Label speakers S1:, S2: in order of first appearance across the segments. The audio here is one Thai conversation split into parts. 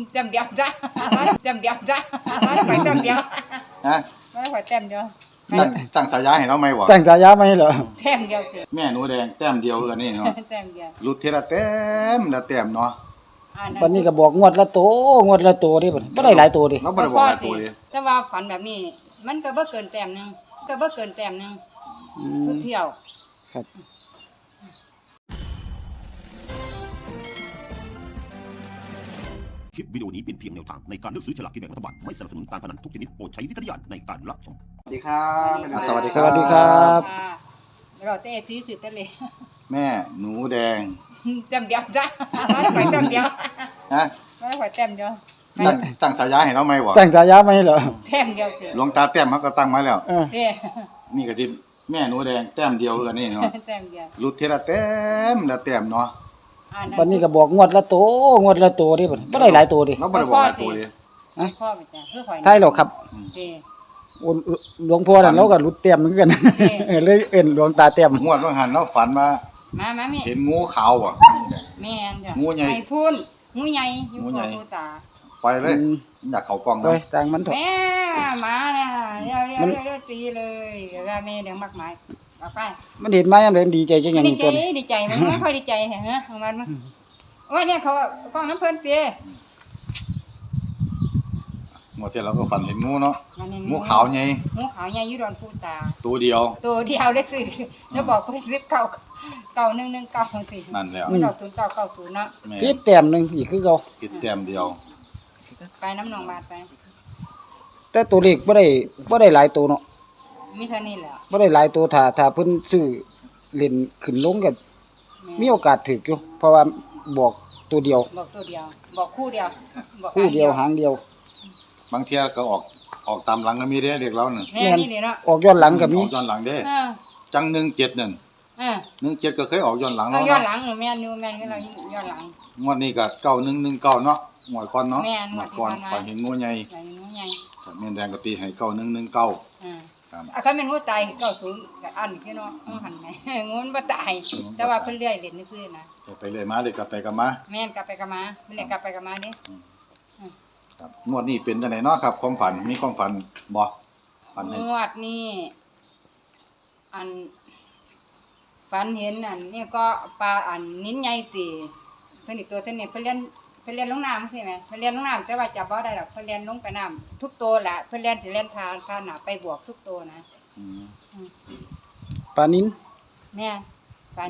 S1: จำเดียวจ้ะจำเดียวจ้ะไปจำเดียว
S2: ฮะ
S1: ไม่ขอแต้มเดียว
S2: ตั้งสายาให้เราไหมบ่
S3: ตั้งฉายามาให้เหรอ
S1: แต้มเดียวเถอะ
S2: แม่หนูแดงแต้มเดียวคืออันนี้เนาะ
S1: แต้มเดียว
S2: รุดเทละแต้มละแต้มเนาะ
S3: วันนี้ก็บอกงวดละโตงวดละโตดิบ่ได้หลายโตดิ
S2: เราบ่ได้บอกหลายตัวเลย
S1: แต่ว่าฝันแบบนี้ มันก็บ่เกินแต้มนึงก็บ่เกินแต้มนึงทุกเที่ยว
S3: ครับ
S4: คลิปวิดีโอนี้เป็นเพียงแนวทางในการเลือกซื้อฉลากกินแบ่งรัฐบาลไม่สนับสนุนการพนันทุกชนิดโปรดใช้วิจารณญาณในการรับชม
S2: สวัสดีครับ
S3: สวัสดีครับ
S1: ค่ะเราเตะที่สุดทะเล
S2: แม่หนูแดง
S1: จำเดียวจ้ะไปจำเดียว
S2: ฮะ
S1: ไม่ขอแต้มเดียว
S2: ตั้งสายาให้เราไหมบ่
S3: ตั้งฉายามาให้เหรอ
S1: แต้มเดียวเถอะ
S2: หลวงตาแต้มเขาก็ตั้งไว้แล้ว
S3: เออ
S1: เด้
S2: นี่ก็ที่แม่หนูแดงแต้มเดียวคืออันนี้เนาะ
S1: แต้มเดียว
S2: รุดเทละแต้มละแต้มเนาะ
S3: วันนี้ก็บอกงวดละโตงวดละโตดิบ่ได้หลายโตดิ
S2: เราบ่ได้บอกหลายตัวเลย
S1: พ่อไปจ้ะเพื่อขอ
S3: ใช่หรอกครับ
S1: เด้
S3: โอนหลวงพ่อนั่นเราก็รุดเต็มเหมือนกันเลยเอิ้นหลวงตาเต็ม
S2: งวดว่าหันเราฝันว่า
S1: มาแม่
S2: เห็นงูขาวบ่
S1: แม่นจ้ะ
S2: งูใหญ่
S1: ไอ้พูนงูใหญ่อยู่
S2: งูใหญ่
S1: กับผู้ตา
S2: ไปเลยอยากเข้ากล้อง
S3: ไป
S2: เนาะ
S3: ต่างมันเถอะ
S1: แม่มาเนี่ยเรียวตีเลยว่าแม่เลี้ยงมากมายเอาไป
S3: มันเห็นมายามใดมันดีใจจังหยัง
S1: ดี
S3: นี่
S1: ใจ
S3: ตัวนี้
S1: ดีใจมันไม่ค่อยดีใจฮะของมันว่าเนี่ยเขากล้องน้ำเพิ่นเปีย
S2: งวดที่เราก็ฝันเห็นงูเนาะ
S1: มันนี่
S2: งูขาวใหญ่
S1: งูขาวใหญ่อยู่ดอนผู้ตา
S2: ตัวเดียว
S1: ตัวเดียวได้ซื้อแล้วบอกเพิ่น10เก่า119สิ
S2: นั่นแล้ว
S1: มันดอก0990เนาะ
S2: แม่
S3: พี่แต้มหนึงอีกคือเก่า
S2: คิดแต้มเดียว
S1: ไปน้ำนองบาดไป
S3: แต่ตัวเลขบ่ได้หลายโตเนาะ
S1: มีเท่านี้แหละ
S3: บ่ได้หลายโตถ้าเพิ่นซื้อเล่นขึ้นลงก็มีโอกาสถูกอยู่เพราะว่าบอกตัวเดียว
S1: บอกตัวเดียว บอกคู่เดียวบอก
S3: คู่เดียวหางเดียว
S2: บางเที่ยก็ออกตามหลังก็มีเด้เด็กเราน่ะ
S1: แม่นี่เลยเนาะ
S3: ออกย้อนหลังก็มี
S2: ออกย้อนหลังเด้
S1: เออ
S2: จัง17นั่น
S1: เออ
S2: 17ก็เคยออกย้อนหลัง
S1: เรา
S2: เนาะ
S1: ย้อนหลังแม่นิวแม่นก็เราย้อนหลัง
S2: งวดนี้ก็9119เนาะงวดก่อนเนาะ
S1: แม่น
S2: งวดก่อน
S1: งวดที่ผ่านมา
S2: ฝันเห็นงูใหญ่
S1: ใส่งูใหญ่
S2: แม่นแดงก็ตีให้9119
S1: อ่า
S2: ครับ
S1: เขาเป็นงูตาย90ก็อันพี่เนาะหันไหนงูมันบ่ตายแต่ว่าเพิ่นเลื่อยเล่นซื่อๆนะ
S2: ไปเลยมาเลยกลับไปกลับมา
S1: แม่นกลับไปกลับมาเพิ่นเล่นกลับไปกลับมาเด้
S2: ครับงวดนี้เป็นจังไดเนาะครับความฝันมีความฝันบ่ฝันให้
S1: งวดนี้อันฝันเห็นอันนี่ก็ปลาอันนิ้นใหญ่ติเพิ่นอีกตัวเท่านี้เพิ่นเรียนลงน้ำใช่ไหมเพิ่นเรียนลงน้ำแต่ว่าจับบ่ได้ดอกเพิ่นเรียนลงไปน้ำทุกตัวแหละเพิ่นเรียนสิเรียนทานน่ะไปบวกทุกตัวนะ
S2: อืม
S3: ปลานิน
S1: แม่ฝัน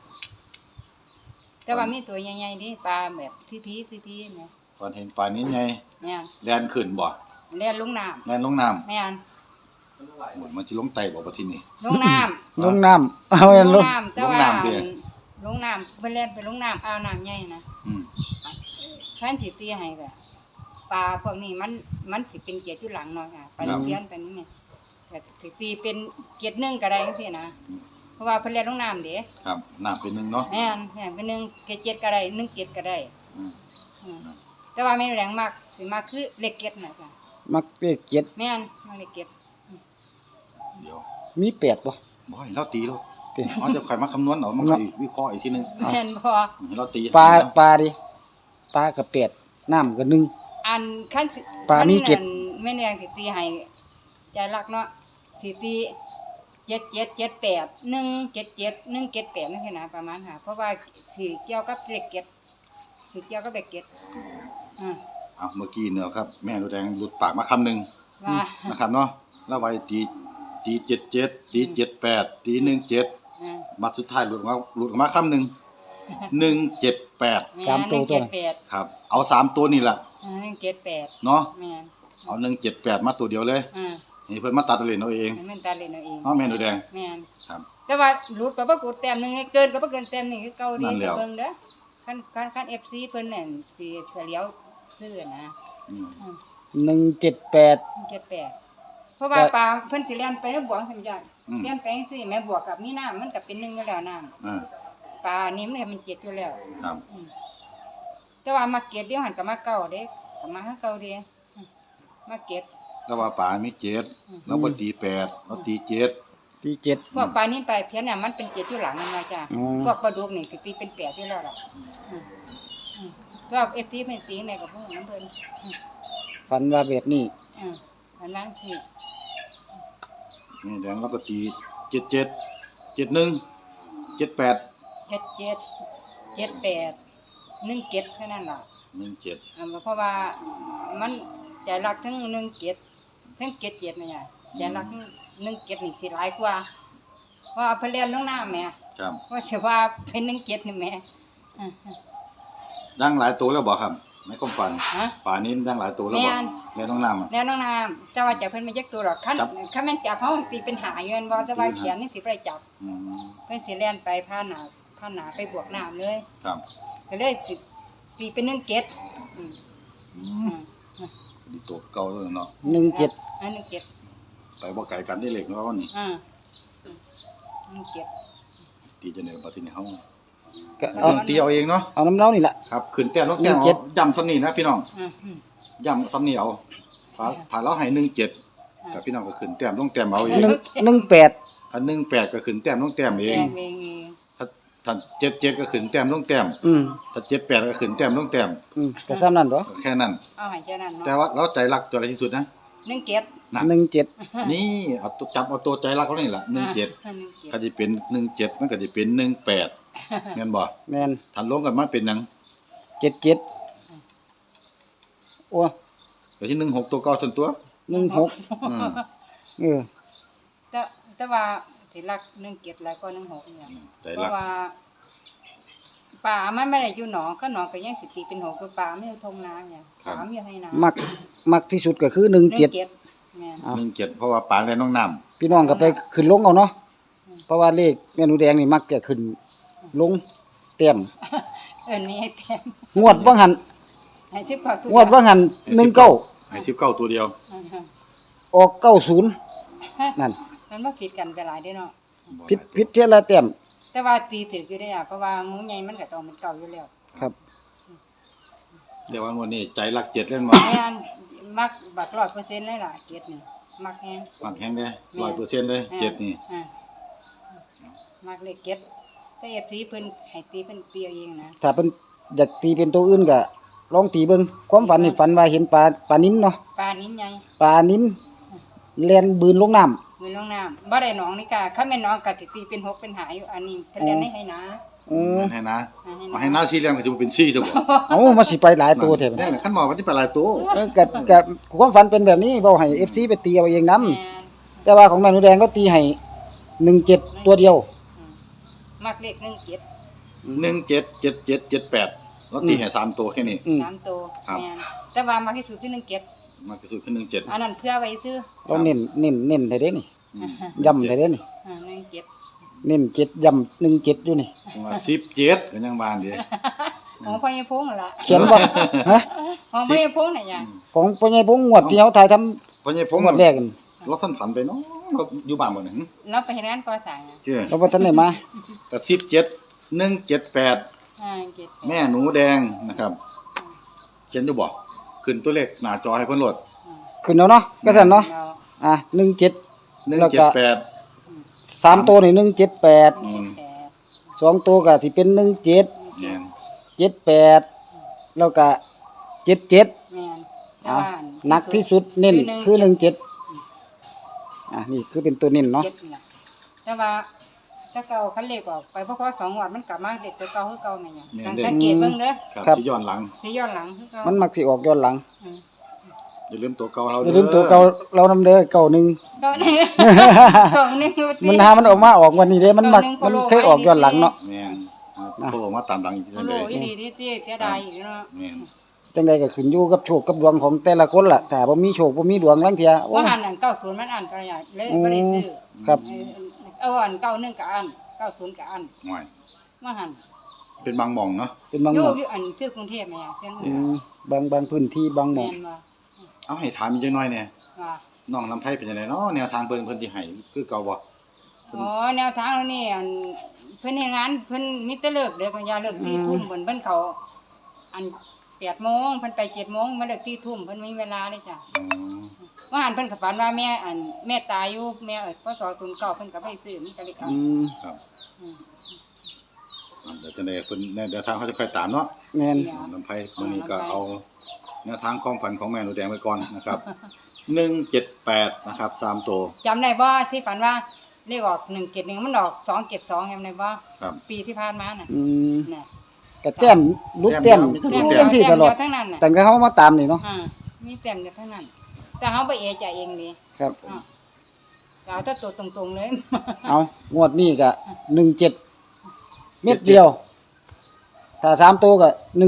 S1: แต่ว่ามีตัวใหญ่ๆดิปลาแบบทีๆแม่
S2: ฝันเห็นปลานินใหญ่
S1: แม่
S2: แล่นขึ้นบ่
S1: เรียนลงน้
S2: แล่นลงน้ำ
S1: ำแม่
S2: โอ้ยมันสิลงไตบ่บัดทีนี้
S1: ลงน้
S3: ลงน้ำเอา
S1: ำ
S3: แม่นลง
S1: น้ำแต่ว่า
S2: ลงน้ำดิ
S1: ลงน้ำเพิ่นเรียนไปลงน้ำเอาน้ำใหญ่นะ
S2: อืม
S1: แฟนสิตีให้ก็ปลาพวกนี้มันสิเป็นเกียรติอยู่หลังเนาะค่ะไปเรียนไปนี่แม่ก็สิตีเป็นเกียรติหนึงก็ได้จังซี่นะเพราะว่าเพิ่นเรียนลงน้ำเด้
S2: ครับน้ำเป็นหนึงเนาะ
S1: แม่นเป็นหนึงเกียรติเจ็ดก็ได้1เกียรติก็ได้
S2: อืม
S1: อืมแต่ว่าแม่นแรงมากสิมากคือเลขเกียรติน่ะค่ะ
S3: มักเลขเจ็ด
S1: แม่นมาเลขเกียรติ
S2: เดี๋ยว
S3: มีแปดบ่
S2: บ่ให้เราตีเรา
S3: ติ
S2: เอาจะค่อยมาคำนวณเอามาค่อยวิเคราะห์อีกทีหนึง
S1: แม่นบ่
S2: ให้เราตี
S3: ปลาดิปลาก็แปดน้ำก็หนึ่ง
S1: อันคันสิ
S3: ปลามีเจ็ด
S1: คันแม่นแรงสิตีให้ใจรักเนาะสิตี7778 177 178นั่นคือนะประมาณค่ะเพราะว่าสิเกี่ยวกับเลขเกียรติสิเกี่ยวกับเลขเกียรติอ่า
S2: เอาเมื่อกี้เนี่ยครับแม่ดูแดงหลุดปากมาคำหนึง
S1: ว่า
S2: นะครับเนาะแล้วไว้ตี77ตี78ตี17
S1: อ่า
S2: บัดสุดท้ายหลุดออกมาคำหนึง178
S3: สามตัวตัวนั้น
S1: 178
S2: ครับเอา3ตัวนี่ล่ะ
S1: 178
S2: เนาะ
S1: แม่น
S2: เอา178มาตัวเดียวเลย
S1: อ่า
S2: นี่เพิ่นมาตัดเอาเล่นเอาเอง
S1: ให้มันตาเล่นเอาเอง
S2: เนาะแม่ดูแดง
S1: แม่น
S2: ครับ
S1: แต่ว่าหลุดก็บ่กดแต้มหนึงเกินก็บ่เกินแต้มหนึงคือเก่าดี
S2: นั่นแหละ
S1: เบิ่งเด้อคัน FC เพิ่นนั่นสิเฉลียวซื้อนะ
S2: อืม
S3: 178
S1: 78เพราะว่าปลาเพิ่นสิเลียนไปแล้วบวกซั่นจ้ะ
S2: อืม
S1: เลียนไปจังซี่แม่บวกกับมีน้ำมันก็เป็น1อยู่แล้วน้ำ
S2: อ่า
S1: ปลานี่มัน7อยู่แล้ว
S2: ครับ
S1: อืมแต่ว่ามาเก็ดเดียวหันก็มาเก่าเด้ก็มาหาเก่าเด้มาเก็ด
S2: แล้วว่าป่ามี7แล้วบ่ตี8เราตี7
S3: ที่เจ็ด
S1: พวกปลานิลปลาเพี้ยนน่ะมันเป็น7อยู่หลังนั่นว่าจ้ะ
S3: อืม
S1: พวกปลาดุกนี่สิตีเป็น8อยู่แล้วล่ะอืมตัวเอฟทีเป็นตีแม่กับพวกน้ำเพิ่น
S3: ฝันว่าแบบนี้
S1: อันนั้นสิ
S2: นี่แดงแล้วก็ตี77 71 78
S1: 77 78 17เท่านั้นล่ะ
S2: 17
S1: เพราะว่ามันใจรักทั้ง17ทั้ง77นี่ไงใจรักทั้ง17นี่สิหลายกว่าเพราะเพิ่นเรียนลงน้ำแม่
S2: ครับ
S1: ว่าสิว่าเป็น17นี่แม่
S2: ดังหลายตัวแล้วบ่ครับในความฝัน
S1: ฮะ
S2: ป่านี้ดังหลายตัวแล้วบ่
S1: แม่น
S2: แม่น้องน้ำอะ
S1: แล้วน้องน้ำแต่ว่าจะเพิ่นไม่ยักตัวหรอกคัน
S2: จับ
S1: คันแม่นจับเฮาตีเป็นหาอยู่แม่นบ่แต่ว่าเขียนนี่สิบ่ได้จับ
S2: อืม
S1: เพิ่นสิเล่นไปผ่านหน้าไปบวกน้ำเลย
S2: ครับ
S1: ก็เลยสิตีเป็น17อืม
S2: อื
S1: อื
S2: ม
S1: ม
S2: ดีตัวเก่าแล้วเนาะ
S3: 17
S1: อัน17
S2: ไปบ่ไกลกันได้เล็กเนาะวันนี้
S1: 17
S2: ตีจังได๋บ่ทีนี้เฮา
S3: ก็
S1: เอา
S3: เอา
S2: ตีเอาเองเนาะ
S3: เอาน้ำเล้านี่ล่ะ
S2: ครับขึ้นแต้มลงแต้ม
S3: 17
S2: เอาย้ำซ้ำนี่นะพี่น้อง
S1: อืม
S2: ย้ำซ้ำนี่เอาถ้าเราให้17กับพี่น้องก็ขึ้นแต้มลงแต้มเอาเอง
S3: 18
S2: ถ้า18ก็ขึ้นแต้มลงแต้มเอ
S1: เอง ง
S2: ถ้า77ก็ขึ้นแต้มลงแต้ม
S3: อืม
S2: ถ้า78ก็ขึ้นแต้มลงแต้ม
S3: ก็ซ้ำนั่นบ่
S2: แค่นั้น
S1: เอาให้เจ้านั้น
S2: แต่
S1: เนาะ
S2: ว่าเราใจรักตัวอะไรที่สุดนะ
S1: 17
S2: นั่น
S3: 17
S2: นี่เอาตัวจับเอาตัวใจรักเขานี่ล่ะ17ก็สิเป็น17มันก็สิเป็น18แม่นบ่
S3: แม่น
S2: ถ้ารวมกันมาเป็นหยัง
S3: 77โอ้
S2: ก็ที่16ตัวเก่าส่วนตัว
S3: 16
S2: อืม
S3: เออ
S1: แต่ว่าสิรัก17แล้วก็16เนี่ย
S2: ใจ
S1: เพ
S2: รัก
S1: ราะว่าป่ามันไม่ได้อยู่หนองก็หนองก็ยังสิตีเป็น6คือป่าไม่อยู่ทงนาเนี่ยป่าไม่อยู่ให้นา
S3: มักที่สุดก็คือ17
S1: แม่น
S3: เอา
S2: 17เพราะว่าปานและน้องน้ำ
S3: พี่น้องก็ไปขึ้นลงเอาเนาะเพราะว่าเลขแม่หนูแดงนี่มักจะขึ้นลงเต็ม
S1: นี่ให้แต้ม
S3: งวดว่างหัน
S1: ให้สิบกว่าทุก
S3: งวดว่างหัน19
S2: ให้19ตัวเดียว
S3: ออก90นั่น
S1: มันบ่ผิดกันไปหลายเด้เนาะ
S3: ผิดเท่าละเต็ม
S1: แต่ว่าตีถึกอยู่ได้อ่ะเพราะว่างูใหญ่มันก็ต้องเป็นเก่าอยู่แล้ว
S3: ครับ
S2: เดี๋ยววันนี้ใจรัก7เล่นบ่
S1: แม่นมักบัก100%เลยล่ะเกรดนี่มักแฮง
S2: ปังแฮงเด้100%เลย7นี่
S1: มักเลขเกรดแต่ FC เพิ่นให้ตีเพิ่นตีเอาเองนะ
S3: ถ้าเพิ่นอยากตีเป็นตัวอื่นก็ลองตีเบิ่งความฝันนี่ฝันว่าเห็นปลานิ้นเนาะ
S1: ปลานิ้นใหญ่
S3: ปลานิ้นแล่นบืนลงน้ำ
S1: อยู่ลงน้ำบ่ได้หนองนี่ก็คันแม่นหนองก็สิตีเป็น6เป็นหาอยู่อันนี้เพิ่นเรียนให้นะ
S2: ให้นะมาให้น้า4เลี้ยงก็จะเป็น4ตัวบ่
S3: เอามาสิไปหลายตัวแท้บัด
S2: นั่
S3: นี้
S2: นแหละคันบอกว่าสิไปหลายตัว
S3: ก็ความฝันเป็นแบบนี้เว้าให้ FC ไปตีเอาเองนํ
S1: แม่น
S3: แต่ว่าของแม่หนูแดงก็ตีให้17ตัวเดียว
S1: มักเลข17
S2: 177778แล้วตีให้3ตัวแค่นี้
S3: อืม
S1: 3ตัว
S2: ครับ
S1: แม่นแต่ว่ามักที่สุดคือ17
S2: มันก็สุดขึ้น17
S1: อันนั้นเพื่อไว้ซื้อ
S3: เราเน้นให้เด้นี่
S2: อืม
S3: ย้ำให้เด้นี่
S1: 17
S3: เน้น7ย้ำ17อยู่นี่
S2: จังว่า17ก็ยังบานเด้
S1: ของพ่อใหญ่พงษ์นั่นล่ะ
S3: เขียนบ่ฮะ
S1: ของพ่อใหญ่พงษ์น่ะจ้ะ
S3: ของพ่อใหญ่พงษ์งวดที่เฮาถ่ายทำ
S2: เพราะไงผม
S3: งวดแรกนั่น
S2: เราท่านฝันไปเนาะเราอยู่บ้านบ่นี่หึ
S1: เราไปเฮ็ดงานก่อสร้างอ่ะ
S2: เจ้
S3: เราบ่ทันได้มา
S2: ก็17178แม่หนูแดงนะครับเขียนอยู่บ่ขึ้นตัวเลขหน้าจอให้เพิ่นโหลด
S3: ขึ้นแล้วเนาะก็ซั่นเนาะอ่ะ17 แล้วก็
S2: 178
S3: 3ตัวนี่178
S2: อืม
S3: 2ตัวก็สิเป็น17
S2: แม่น
S3: 78แล้วก็77
S1: แม่น
S3: อ่ะหนักที่สุดเน้นคือ17อ่ะนี่คือเป็นตัวเน้นเนาะ
S1: 7นี่ล่ะแต่ว่าถ้าเก่าคันเลขออกไปเพราะ2งวดมันกลับมาเลขตัวเก่าคือเก่าแม่นหยังสังเกตเบิ่งเด้อ
S2: ครับสิย้อนหลัง
S1: สิย้อนหลังคือเก่า
S3: มันมักสิออกย้อนหลัง
S1: อืม
S2: อย่าลืมตัวเก่าเรา
S3: อย่าลืมตัวเก่าเรานำเด้อเก่าหนึง
S1: เก่านี่ของนี่
S3: มันหามันออกมาออกวันนี้เด้มันมักมันเคยออกย้อนหลังเนาะ
S2: แม่นโทรมาตามหลังอีก
S1: โอ้
S2: จัง
S1: โห
S2: ได๋
S1: อีหลีนี่ติเสียดายอยู่เนาะ
S2: แม่น
S3: จังใดก็ขึ้นอยู่กับโชคกับดวงของแต่ละคนล่ะถ้าบ่มีโชคบ่มีดวงลางเที่ยโอ้
S1: ว่าหันอัน90มันอันประหยัดเลยบ่ได้ซื้อ
S3: ครับ
S1: เอาอัน91ก็อัน90ก็อัน
S2: ห่วย
S1: ว่าหัน
S2: เป็นบางหม่องเนาะ
S3: เป็นบาง
S1: อ
S3: ห
S1: ยู่
S3: ม้อง
S1: อยู่อันคือกรุงเทพแม่เช่น
S3: บางพื้นที่บางหม้อง
S1: แม่นบ่
S2: เอาให้ถามอีกจังหน่อยเนี่ย
S1: ว่า
S2: น้องลำไผเป็นจังไดเนาะแนวทางเพิ่นสิให้คือเก่าบ่
S1: อ๋อแนวทางนี่อันเพิ่นเฮ็ดงานเพิ่นมีแต่เลิกเด้อก็อย่าเลิก4ทุ่มเพิ่นเขาอัน8:00นเพิ่นไป7:00นมาเลิก4ทุ่มเพิ่นมีเวลาเลยจ้ะ
S2: อ๋อ
S1: ว่าหันเพิ่นก็ฝันว่าแม่ตายอยู่แม่พศ09เพิ่นก็ไปซื้อมันก็เลยเอา
S3: อืม
S2: ครับ
S1: อืม
S2: เดี๋ยวจะได้เพิ่นเดี๋ยวทางเขาจะค่อยตามเนาะ
S3: แม่น
S2: น้ำไผ่มื้อนี้ก็เอาแนวทางความฝันของแม่หนูแดงไว้ก่อนนะครับ178นะครับ3ตัว
S1: จำได้บ่ที่ฝันว่าเลขออก171มันออก272จำได้บ่
S2: ครับ
S1: ปีที่ผ่านมาน่ะ
S3: อืม
S1: น่ะ
S3: ก็แต้มลุดแต้ม
S2: แต้ม
S3: จังซี่ตลอด
S1: แต้มเดียวทั้งนั้นน่ะ
S3: ตั้งแต่เฮามาตามนี่เนาะ
S1: มีแต้มเดียวทั้งนั้น แต่เฮาบ่เอะใจเองนี่
S3: ครับ
S1: เอาแต่ตัวตรงๆเลย
S3: เอางวดนี้ก็17เม็ดเดียว ถ้า3ตัวก็178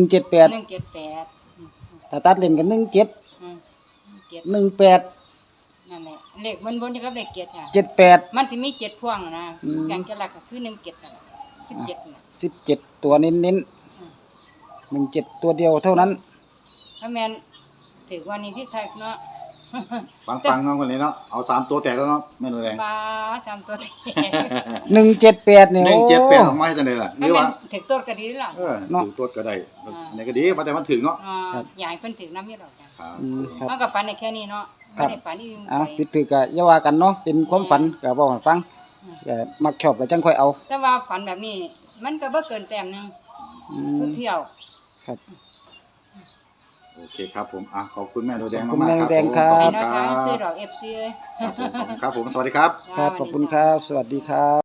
S1: 178
S3: ถ้าตัดเล่นก็17
S1: 17
S3: 18
S1: นั่นแหละเลขบนๆที่กับเลข7ค่ะ
S3: 78
S1: มันสิมี7พ่วงนะ
S3: อืม
S1: แกงจะหลักก็คือ17นั่นแหละ17น่ะ
S3: 17 ตัวเน้น
S1: อืม
S3: ๆ17 ตัวเดียวเท่านั้น
S1: ถ้าแม่นถือว่านี่คือคักเนาะ
S2: ฟังๆเนาะคนนี้เนาะเอา3ตัวแตกแล้วเนาะแม่หนูแดง
S1: ปลา3ตัวแท้
S3: 178เนี่ยโอ้
S2: 178ออกมาให้จังได๋ล่ะห
S1: ถ้า
S2: รือ
S1: แม่
S2: ว่าน
S1: ถือตัวก็ดีล่ะ
S2: เถือตัวก็ได้อันนี้ก็ดีว่าแต่มันถึงเนาะ
S1: อยากให้เพิ่นถือน้ำมีดอกจ้ะ
S2: ครับ
S3: อืมครับ
S1: มันก็ฝันได้แค่นี้เนาะ
S3: ครับ
S1: บ่ได้ฝันอีก
S3: อ่ะผิดถือก็อย่าว่ากันเนาะเป็นความฝันก็บอกให้ฟังก็มักชอบก็จังค่อยเอา
S1: แต่ว่าฝันแบบนี้ มันก็บ่เกินแต้มหนึง
S3: อื
S1: ทุ
S3: ม
S1: กเที่ยว
S3: ครับ
S2: โอเคครับผมขอบคุณแม่หนูแดง
S3: ขอบคุณ
S2: มากๆครับ
S3: แม่หนูแดงครับ
S1: ให้
S2: ขอบ
S1: น้อย
S2: คุณ
S1: ๆซื้อ
S2: ค
S1: ด
S2: รับ
S1: อก FC เอ้ย
S2: ครับผมสวัสดีครับ
S3: ครับขอบคุณครับ สวัสดีครับ